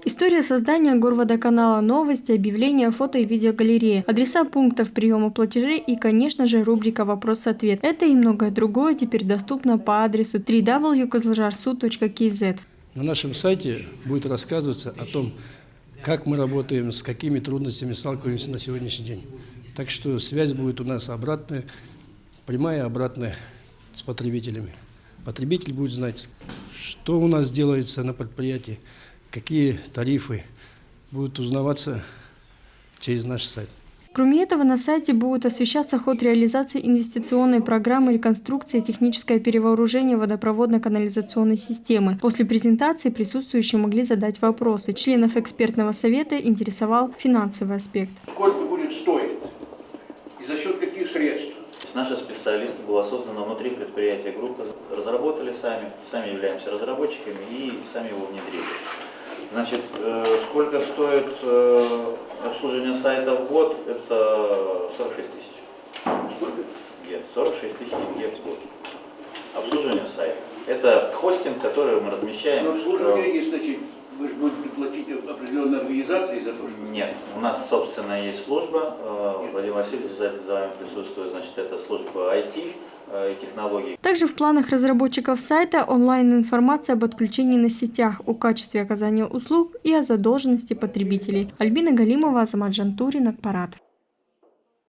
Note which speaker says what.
Speaker 1: История создания горводоканала, новости, объявления, фото и видеогалереи, адреса пунктов приема платежей и, конечно же, рубрика «Вопрос-ответ». Это и многое другое теперь доступно по адресу www.kozlojarsu.kz.
Speaker 2: На нашем сайте будет рассказываться о том, как мы работаем, с какими трудностями сталкиваемся на сегодняшний день. Так что связь будет у нас обратная, прямая и обратная с потребителями. Потребитель будет знать, что у нас делается на предприятии, какие тарифы будут узнаваться через наш сайт.
Speaker 1: Кроме этого, на сайте будет освещаться ход реализации инвестиционной программы реконструкции и техническое перевооружение водопроводно-канализационной системы. После презентации присутствующие могли задать вопросы. Членов экспертного совета интересовал финансовый аспект.
Speaker 3: Сколько будет стоить и за счет каких средств?
Speaker 4: Наши специалисты, было создано внутри предприятия группы, разработали сами являемся разработчиками и сами его внедрили. Значит, сколько стоит обслуживание сайта в год? Это 46 тысяч.
Speaker 3: Сколько?
Speaker 4: 46 тысяч тенге в год. Обслуживание сайта. Это хостинг, который мы размещаем.
Speaker 3: Но обслуживание есть, значит, вы же будете платить определенной организации за то, что...
Speaker 4: Нет, у нас, собственно, есть служба. Владимир Васильевич за вами присутствует, значит, это служба IT и технологий.
Speaker 1: Также в планах разработчиков сайта онлайн-информация об отключении на сетях, о качестве оказания услуг и о задолженности потребителей. Альбина Галимова, Азамат Жантурин, Акпарат.